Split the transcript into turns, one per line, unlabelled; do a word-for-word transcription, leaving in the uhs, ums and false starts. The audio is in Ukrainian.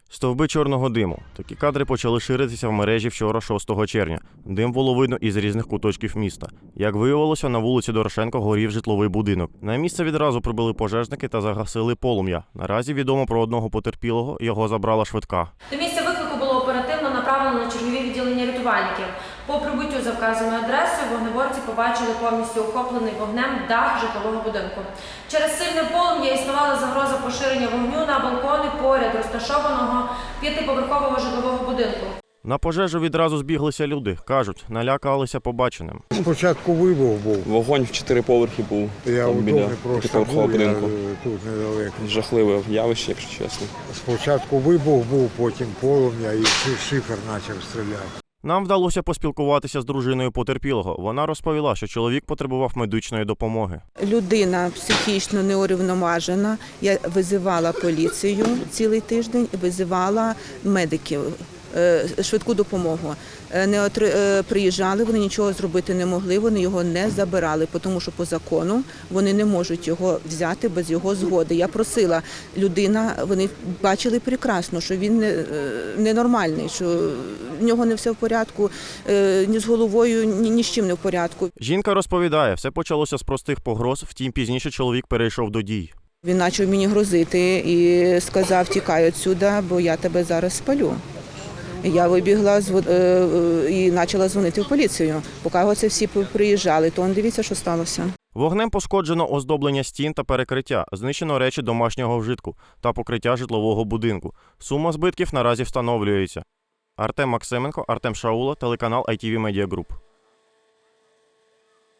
Стовби чорного диму. Такі кадри почали ширитися в мережі вчора, шостого червня. Дим було видно із різних куточків міста. Як виявилося, на вулиці Дорошенко горів житловий будинок. На місце відразу прибули пожежники та загасили полум'я. Наразі відомо про одного потерпілого, його забрала швидка.
До місця виклику було оперативно направлено на чергові відділення рятувальників. По прибуттю за вказаною адресою вогнеборці побачили повністю охоплений вогнем дах житлового будинку. Через сильне полум'я існувала загроза поширення вогню на балкони поряд розташованого п'ятиповерхового житлового будинку.
На пожежу відразу збіглися люди. Кажуть, налякалися побаченим.
Спочатку вибух був.
Вогонь в чотири поверхи був.
Я
там, біля п'ятиповерхового будинку.
Тут недалеко.
Жахливе явище, якщо чесно.
Спочатку вибух був, потім полум'я і шифер почав стріляти.
Нам вдалося поспілкуватися з дружиною потерпілого. Вона розповіла, що чоловік потребував медичної допомоги.
Людина психічно неурівноважена. Я визивала поліцію цілий тиждень, визивала медиків, швидку допомогу. Не отри... Приїжджали, вони нічого зробити не могли, вони його не забирали, тому що по закону вони не можуть його взяти без його згоди. Я просила, людина, вони бачили прекрасно, що він ненормальний, що в нього не все в порядку, ні з головою, ні, ні з чим не в порядку.
Жінка розповідає, все почалося з простих погроз, втім пізніше чоловік перейшов до дій.
Він почав мені грозити і сказав, тікай відсюди, бо я тебе зараз спалю. Я вибігла і почала дзвонити в поліцію. Поки оце всі приїжджали, то он дивіться, що сталося.
Вогнем пошкоджено оздоблення стін та перекриття, знищено речі домашнього вжитку та покриття житлового будинку. Сума збитків наразі встановлюється. Артем Максименко, Артем Шаула, телеканал ай ті ві Media Group.